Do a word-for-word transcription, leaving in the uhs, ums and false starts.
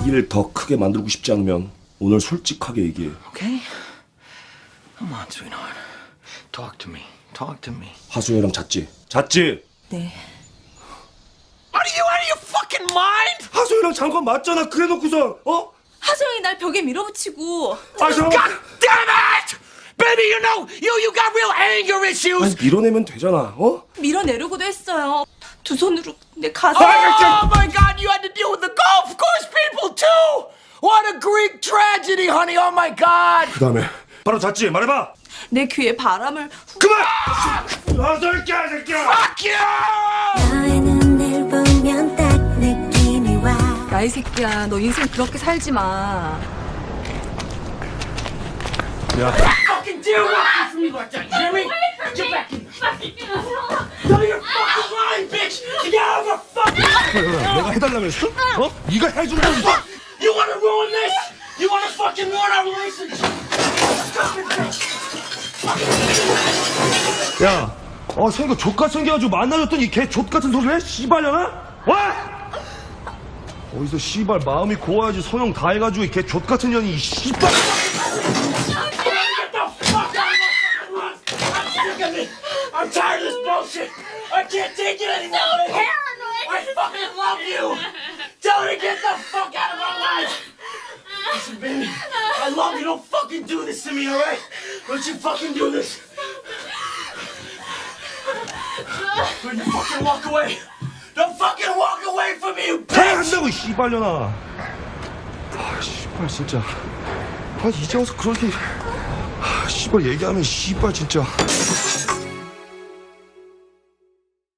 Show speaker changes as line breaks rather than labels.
일을 더 크게 만들고 싶지 않으면 오늘 솔직하게 얘기해.
Okay? Come on, sweetheart. Talk to me. Talk to me.
하수영이랑 잤지? 잤지?
네.
Are you out of your fucking mind?
하수영이랑 잔 건 맞잖아. 그래놓고서 어?
하소영이 날 벽에 밀어붙이고.
아 잠깐만.
God damn it! Baby, you know, you you got real anger issues.
아니, 밀어내면 되잖아. 어?
밀어내려고도 했어요. 두 손으로 내 가슴.
Oh my God, you had to deal with the golf course people too. What a Greek tragedy, honey. Oh my God.
그 다음에 바로 잤지? 말해봐.
내 귀에 바람을 후...
그만! 아들 개새끼야!
Fuck you!
너의 눈을 보면 딱 느낌이 와.
야, 이 새끼야, 너 인생 그렇게 살지 마.
야,
Fucking deal with me like that. You hear me? Get back in. No, you're fucking lying, bitch. Get out of the fucking.
내가 해달라고 했어? 어? 네가 해준다고.
You wanna ruin this? You wanna fucking ruin our relationship?
야, 어, 생겨 족같이 생겨가지고 만나줬더니 이 개 족같은 소리를 해? 씨발려나? 와! 어디서 씨발 마음이 고와야지 성형 다 해가지고 이 개 족같은 년이 이 씨발.
I'm tired of this bullshit. I can't take it anymore. So paranoid. I fucking love you. Tell her to get the fuck out of our life. Listen, baby, I love you. Don't fucking do this to me, all right? Don't you fucking do this. Don't you fucking walk away. Don't fucking walk away from me, you
다
bitch.
한다고 이 씨발려나. 아, 씨발 진짜. 아, 이제 와서 그렇게. 아, 씨발 얘기하면 씨발 진짜.